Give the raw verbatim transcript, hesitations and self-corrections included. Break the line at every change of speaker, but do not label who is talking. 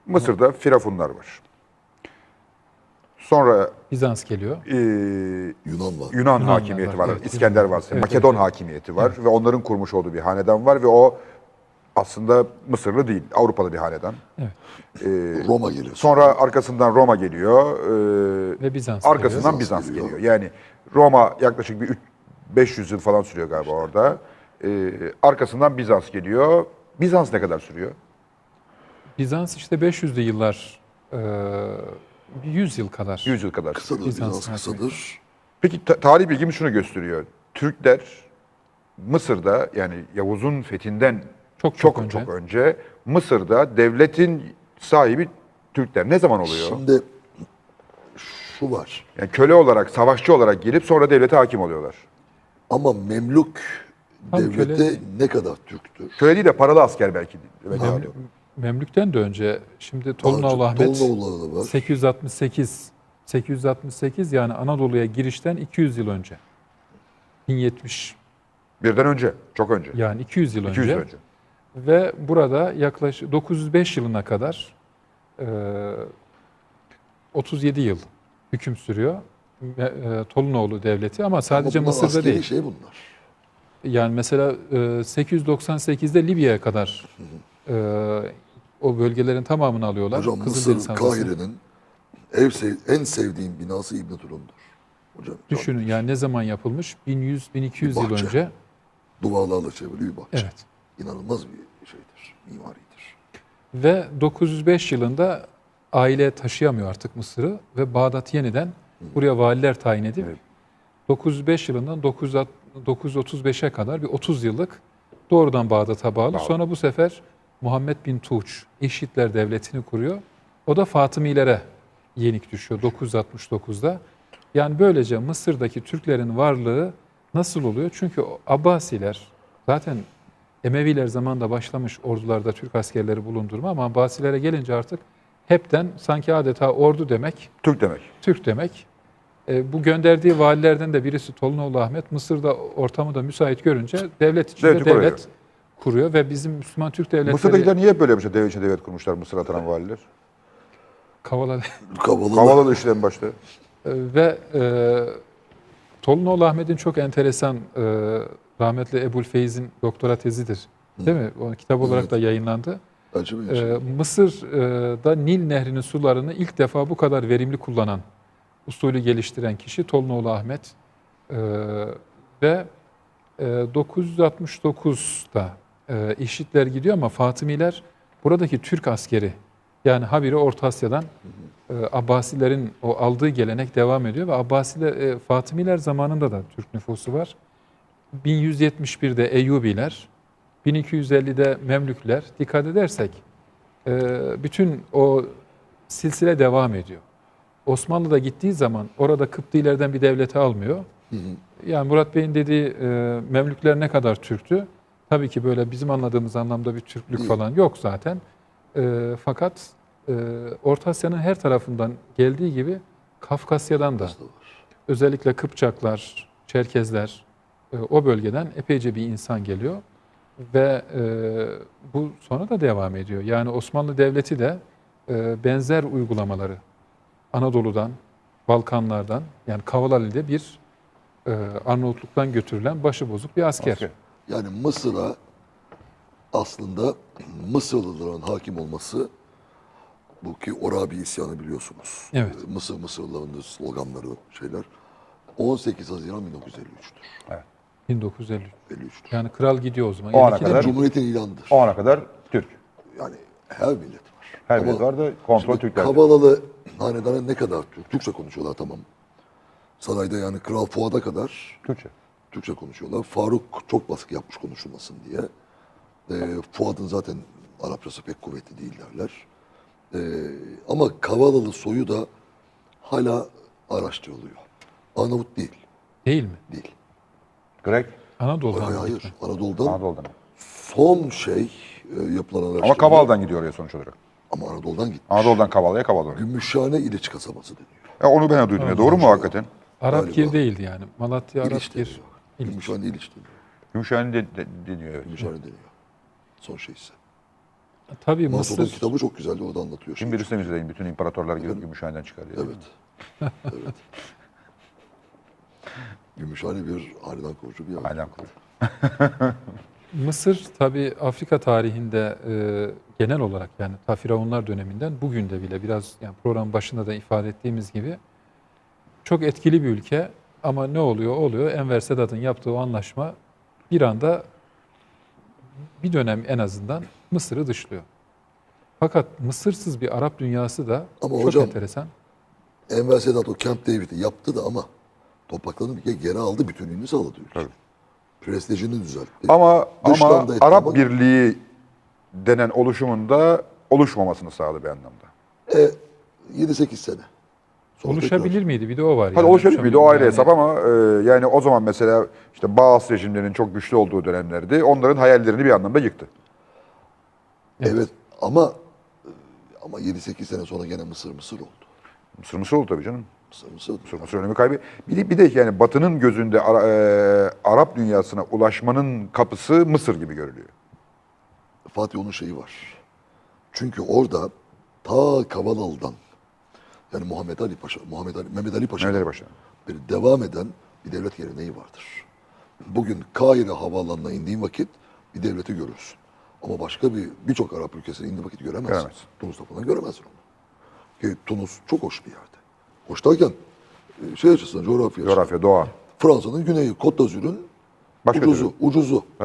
Mısır'da Firavunlar var. Sonra
Bizans geliyor.
e,
Yunan var.
Yunan
Yunanlar
hakimiyeti
var,
var,
evet,
İskender
Yunanlar.
var,
Evet,
Makedon
evet, evet.
hakimiyeti var ve onların kurmuş olduğu bir hanedan var ve o aslında Mısırlı değil, Avrupalı bir hanedan.
Evet.
E,
Roma geliyor.
Sonra arkasından Roma geliyor, e,
Ve Bizans
arkasından
Bizans
Bizans
geliyor.
geliyor. Yani Roma yaklaşık bir üç- beş yüz yıl falan sürüyor galiba orada. E, arkasından Bizans geliyor. Bizans ne kadar sürüyor?
Bizans işte beş yüzlü yıllar, e, yüz yıl kadar.
yüz yıl kadar.
Kısadır,
Bizans
Bizans kısadır.
Peki ta- tarih bilgimiz şunu gösteriyor. Türkler Mısır'da, yani Yavuz'un fethinden
Çok
çok
çok
çok
önce.
önce, Mısır'da devletin sahibi Türkler. Ne zaman oluyor?
Şimdi şu var.
Yani köle olarak, savaşçı olarak gelip sonra devlete hakim oluyorlar.
Ama Memlük
Tam
devleti
köle-
ne kadar Türktür?
Köle değil de paralı asker belki. belki daha
Memlü-
doğru.
Memlük'ten de önce şimdi
Daha
Tolunoğlu
çok
Ahmet
Tolunoğulları var.
sekiz yüz altmış sekiz sekiz yüz altmış sekiz yani Anadolu'ya girişten iki yüz yıl önce. bin yetmiş
Birden önce, çok önce.
yani iki yüz yıl
iki yüz
önce.
yıl önce.
Ve burada yaklaşık dokuz yüz beş yılına kadar e, otuz yedi yıl hüküm sürüyor. E, e, Tolunoğlu devleti ama sadece
Ama bunlar
Mısır'da
askeri
değil.
şey bunlar.
Yani mesela e, sekiz yüz doksan sekizde Libya'ya kadar e, o bölgelerin tamamını alıyorlar.
Hocam
Kızıldeniz
Mısır,
Havzası.
Kahire'nin ev sev- en sevdiğim binası İbn Tulun'dur. Hocam
Düşünün
camidir.
yani ne zaman yapılmış? bin yüz bin iki yüz
Bir
yıl
bahçe.
önce.
Duvarlarla çevrili bir bahçe.
Evet.
İnanılmaz bir şeydir, mimaridir.
Ve dokuz yüz beş yılında aile taşıyamıyor artık Mısır'ı ve Bağdat yeniden buraya valiler tayin edip
Evet.
dokuz yüz beş yılından dokuz yüz otuz beşe kadar bir otuz yıllık doğrudan Bağdat'a bağlı.
Bağlı.
Sonra bu sefer Muhammed bin Tuğç İşitler Devleti'ni kuruyor. O da Fatımilere yenik düşüyor dokuz yüz altmış dokuzda. Yani böylece Mısır'daki Türklerin varlığı nasıl oluyor? Çünkü o Abbasiler zaten Emeviler zamanında başlamış ordularda Türk askerleri bulundurma ama Abbasilere gelince artık hepten sanki adeta ordu demek,
Türk demek.
Türk demek. E, bu gönderdiği valilerden de birisi Tolunoğlu Ahmet Mısır'da ortamı da müsait görünce devlet içinde
Devleti
devlet
kuruyor.
kuruyor ve bizim Müslüman Türk devletleri
Mısır'dakiler niye hep böyle yapmışlar? Devlet içinde devlet kurmuşlar Mısır atanan valiler.
kavala
Kavalı
Havaladı işte en başta.
E, ve e, Tolunoğlu Ahmet'in çok enteresan e, rahmetli Ebu'l-Feyz'in doktora tezidir. Değil mi? O kitap olarak
Evet.
da yayınlandı.
acı bir
Ee,
şey.
Mısır'da Nil Nehri'nin sularını ilk defa bu kadar verimli kullanan, usulü geliştiren kişi Tolunoğlu Ahmet. Ee, ve e, dokuz yüz altmış dokuzda e, İşitler gidiyor ama Fatımiler buradaki Türk askeri, yani habire Orta Asya'dan e, Abbasilerin o aldığı gelenek devam ediyor ve Abbasiler, e, Fatımiler zamanında da Türk nüfusu var. bin yüz yetmiş birde Eyyubiler, bin iki yüz ellide Memlükler, dikkat edersek e, bütün o silsile devam ediyor. Osmanlı da gittiği zaman orada Kıptilerden bir devleti almıyor.
Hı hı.
Yani Murat Bey'in dediği e, Memlükler ne kadar Türktü? Tabii ki böyle bizim anladığımız anlamda bir Türklük
Değil.
falan yok zaten. E, fakat e, Orta Asya'nın her tarafından geldiği gibi Kafkasya'dan da
Bizde var.
özellikle Kıpçaklar, Çerkezler e, o bölgeden epeyce bir insan geliyor. Ve e, bu sonra da devam ediyor. Yani Osmanlı Devleti de e, benzer uygulamaları Anadolu'dan, Balkanlardan yani Kavalali'de bir e, Arnavutluk'tan götürülen başıbozuk bir asker.
Asker.
Yani Mısır'a aslında Mısırlıların hakim olması, bu ki Orabi isyanı biliyorsunuz.
Evet.
Ee, Mısır Mısırlılarının sloganları, şeyler. on sekiz Haziran bin dokuz yüz elli üç'tür.
bin dokuz yüz elli üç.
elli üç'tür.
Yani kral gidiyor o zaman.
O ana
elli ikide
kadar-
mi?
Cumhuriyetin ilanıdır.
O ana kadar Türk.
Yani her millet var.
Her
Ama
millet var da kontrol
şimdi
Türklerde.
Kavalalı hanedanı ne kadar Türk? Türkçe konuşuyorlar, tamam. Sarayda yani Kral Fuad'a kadar
Türkçe.
Türkçe konuşuyorlar. Faruk çok baskı yapmış konuşulmasın diye. Ee, Fuad'ın zaten Arapçası pek kuvvetli değil derler. Ee, ama Kavalalı soyu da hala araştırılıyor. Arnavut değil,
Değil mi?
değil.
Grek.
Anadolu'dan
Hayır,
mı
hayır.
gitme?
Anadolu'dan
Anadolu'dan.
son şey e, yapılan araştırma.
Ama Kaval'dan gidiyor oraya sonuç olarak.
Ama Anadolu'dan gitmiş.
Anadolu'dan Kaval'ya, Kaval'dan.
Gümüşhane İliç kasabası deniyor.
Ya onu ben de duydum ya. Doğru mu hakikaten?
Arap
Galiba.
Gir değildi yani. Malatya Arap
İliç
Gir.
deniyor.
İliç.
Gümüşhane İliç deniyor.
Gümüşhane de, de, deniyor evet.
Gümüşhane deniyor. Son şey ise.
Tabii
Mason'un
Mısır,
kitabı çok güzeldi, orada anlatıyor.
Şimdi birisi müzeyin bütün imparatorlar gelip Gümüşhane'den çıkarıyor.
Evet. Evet. Gümüşhane bir hanedan kurucu bir yer.
Aynen kuruyor.
Mısır tabii Afrika tarihinde e, genel olarak yani ta Firavunlar döneminden bugün de bile biraz yani program başında da ifade ettiğimiz gibi çok etkili bir ülke ama ne oluyor oluyor Enver Sedat'ın yaptığı o anlaşma bir anda bir dönem en azından Mısır'ı dışlıyor. Fakat Mısırsız bir Arap dünyası da
Ama
çok
hocam,
enteresan.
Enver Sedat o Camp David'i yaptı da ama topraklarını bir kere geri aldı, bütünlüğünü sağladı ülke.
Tabii.
Prestijini düzeltti.
Ama
Dıştan
ama
da etti
Arap
ama-
Birliği denen oluşumunda oluşmamasını sağladı bir anlamda.
E, yedi sekiz sene. Sonra
Oluşabilir
tekrar-
miydi? Bir de o var.
Hadi
yani.
oluşabilir miydi? O ayrı
Yani
hesap ama e, yani o zaman mesela işte Bağız rejimlerinin çok güçlü olduğu dönemlerdi. Onların hayallerini bir anlamda yıktı.
Evet, ama ama yedi sekiz sene sonra gene Mısır Mısır oldu.
Mısır Mısır oldu tabii canım.
Mısır Mısır oldu.
Mısır Mısır önemi kaybı. Bir de, bir de yani Batı'nın gözünde Ara- e, Arap dünyasına ulaşmanın kapısı Mısır gibi görülüyor.
Fatih onun şeyi var. Çünkü orada ta Kavalalı'dan yani Muhammed Ali Paşa, Muhammed Ali, Mehmet Ali Paşa'dan
Mehmet Ali Paşa.
beri devam eden bir devlet geleneği vardır. Bugün Kahire havaalanına indiğin vakit bir devleti görürsün. Ama başka bir birçok Arap ülkesine indiğin vakit göremezsin.
Göremezsin.
Tunus'ta falan göremezsin onu. Ki Tunus çok hoş bir yerde. Hoş derken e, şey açısından, coğrafya açısından.
Coğrafya, doğa.
Fransa'nın güneyi, Côte d'Azur'un
Başka
ucuzu,
türlü.
ucuzu.